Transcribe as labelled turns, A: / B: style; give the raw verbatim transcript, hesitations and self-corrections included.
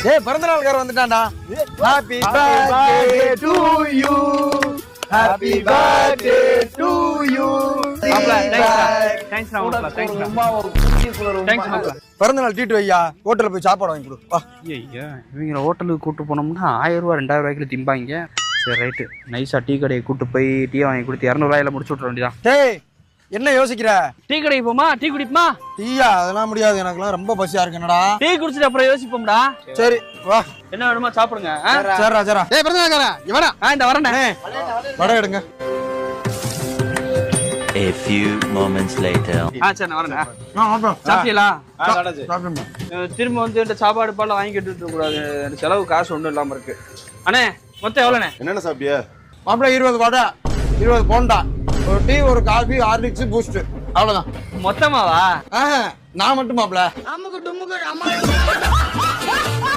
A: ஏய் பிறந்த நாள்காரன் வந்துட்டான்டா. Happy birthday to you, happy birthday to you.
B: மாப்ள தேங்க்ஸ் டா மாப்ள, தேங்க்ஸ் டா. தேங்க்ஸ் மாப்ள.
A: பிறந்த நாள் ட்ரீட் வையா, ஹோட்டல்ல போய் சாப்பாடு வாங்கி கொடு. வா.
B: ஐயா இவங்க ஹோட்டலுக்கு கூட்டு போனோம்னா ஆயிரம் ரூபா ரெண்டாயிரம் ரூபாய்க்குள்ள திம்பாங்க. சரி ரைட்டு, நைஸா டீ கடையை கூட்டு போய் டீ வாங்கி கொடுத்து இரநூறுவாயில முடிச்சு விட்ற வேண்டியதான்.
A: டேய் என்ன யோசிக்கிற?
B: டீ கடைக்கு போமா, டீ குடிப்போமா?
A: டீயா அதெல்லாம் முடியாது, எனக்குலாம் ரொம்ப பசியா இருக்கு. என்னடா
B: டீ குடிச்சிட்டு அப்புறம் யோசிப்போம்டா.
A: சரி வா.
B: என்ன வேணுமா சாப்பிடுங்க.
A: சரிடா சரிடா. டேய் பிறந்த நாள்காரன் இவடா.
B: ஆ இந்த வரேனே.
A: வடை எடுங்க.
C: A few moments later.
B: ஆ சரி நான் வரேனே.
A: நான் வாப்பா.
B: சாப்பிட்டீங்களா?
A: சாப்பிடுங்க.
B: திரும்ப வந்து இந்த சாப்பாடு பால்லாம் வாங்கி கட்டிட்டு கூடாது, செலவு காசு ஒன்றும் இல்லாம இருக்கு. அண்ணே மொத்தம் எவ்வளோண்ணே?
D: என்னென்ன சாப்பிட்டியா?
A: மாப்பிள்ள இருபது வடை, இருபது போண்டா, ஒரு டீ, ஒரு காஃபி, ஹார்லிக்ஸ், பூஸ்ட், அவ்வளவுதான்.
B: மொத்தமாவா?
A: நான் மட்டும் மாப்பிள்ள.